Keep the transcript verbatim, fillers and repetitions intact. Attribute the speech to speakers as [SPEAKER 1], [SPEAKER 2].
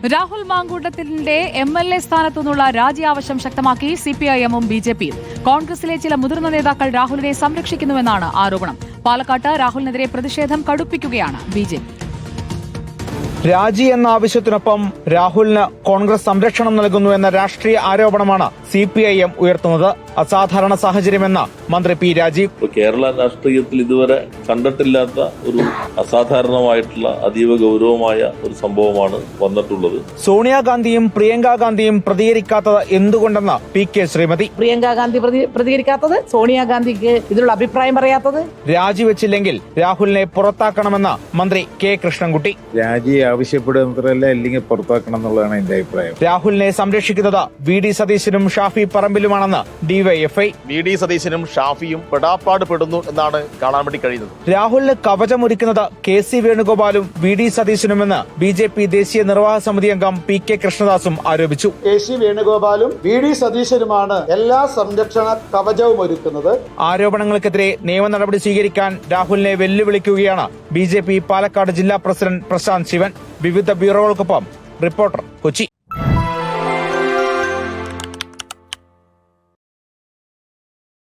[SPEAKER 1] രാഹുൽ മാങ്കൂട്ടത്തിന്റെ M L A സ്ഥാനത്തു നിന്നുള്ള രാജി ആവശ്യം ശക്തമാക്കി സിപിഐഎമ്മും ബി ജെ പിയും. കോൺഗ്രസിലെ ചില മുതിർന്ന നേതാക്കൾ രാഹുലിനെ സംരക്ഷിക്കുന്നുവെന്നാണ് ആരോപണം. പാലക്കാട്ട് രാഹുലിനെതിരെ പ്രതിഷേധം കടുപ്പിക്കുകയാണ് ബി ജെ പി.
[SPEAKER 2] രാജി എന്ന ആവശ്യത്തിനൊപ്പം രാഹുലിന് കോൺഗ്രസ് സംരക്ഷണം നൽകുന്നു എന്ന രാഷ്ട്രീയ ആരോപണമാണ് സി പി ഐ എം ഉയർത്തുന്നത്. അസാധാരണ സാഹചര്യമെന്ന മന്ത്രി പി രാജീവ്.
[SPEAKER 3] കേരള രാഷ്ട്രീയത്തിൽ ഇതുവരെ കണ്ടിട്ടില്ലാത്ത ഒരു അസാധാരണമായിട്ടുള്ള അതീവ ഗൗരവമായ ഒരു സംഭവമാണ് വന്നിട്ടുള്ളത്.
[SPEAKER 2] സോണിയാഗാന്ധിയും പ്രിയങ്ക ഗാന്ധിയും പ്രതികരിക്കാത്തത് എന്തുകൊണ്ടെന്ന് പി കെ ശ്രീമതി.
[SPEAKER 4] പ്രിയങ്ക ഗാന്ധി പ്രതികരിക്കാത്തത്, സോണിയാഗാന്ധിക്ക് ഇതിലുള്ള അഭിപ്രായം പറയാത്തത്.
[SPEAKER 2] രാജിവെച്ചില്ലെങ്കിൽ രാഹുലിനെ പുറത്താക്കണമെന്ന് മന്ത്രി കെ കൃഷ്ണൻകുട്ടി.
[SPEAKER 5] രാജി ആവശ്യപ്പെടുന്നതല്ല, അല്ലെങ്കിൽ പുറത്താക്കണം എന്നുള്ളതാണ് എന്റെ അഭിപ്രായം.
[SPEAKER 2] രാഹുലിനെ സംരക്ഷിക്കുന്നത് വി ഡി സതീശനും ഷാഫി പറമ്പിലുമാണെന്ന് ഡിവൈഎഫ്ഐ.
[SPEAKER 6] വി ഡി സതീശനും ഷാഫിയും പെടാപ്പാട് പെടുന്നു എന്നാണ് കാണാൻ വേണ്ടി കഴിയുന്നത്.
[SPEAKER 2] രാഹുലിന് കവചമൊരുക്കുന്നത് കെ സി വേണുഗോപാലും വി ഡി സതീശനുമെന്ന് ബി ജെ പി ദേശീയ നിർവാഹക സമിതി അംഗം പി കെ കൃഷ്ണദാസും ആരോപിച്ചു.
[SPEAKER 7] കെ സി വേണുഗോപാലും വി ഡി സതീശനുമാണ് എല്ലാ സംരക്ഷണ കവചവും ഒരുക്കുന്നത്.
[SPEAKER 2] ആരോപണങ്ങൾക്കെതിരെ നിയമ നടപടി സ്വീകരിക്കാൻ രാഹുലിനെ വെല്ലുവിളിക്കുകയാണ് ബി ജെ പി പാലക്കാട് ജില്ലാ പ്രസിഡന്റ് പ്രശാന്ത് ശിവൻ. വിവിധ ബ്യൂറോകൾക്കൊപ്പം റിപ്പോർട്ടർ, കൊച്ചി.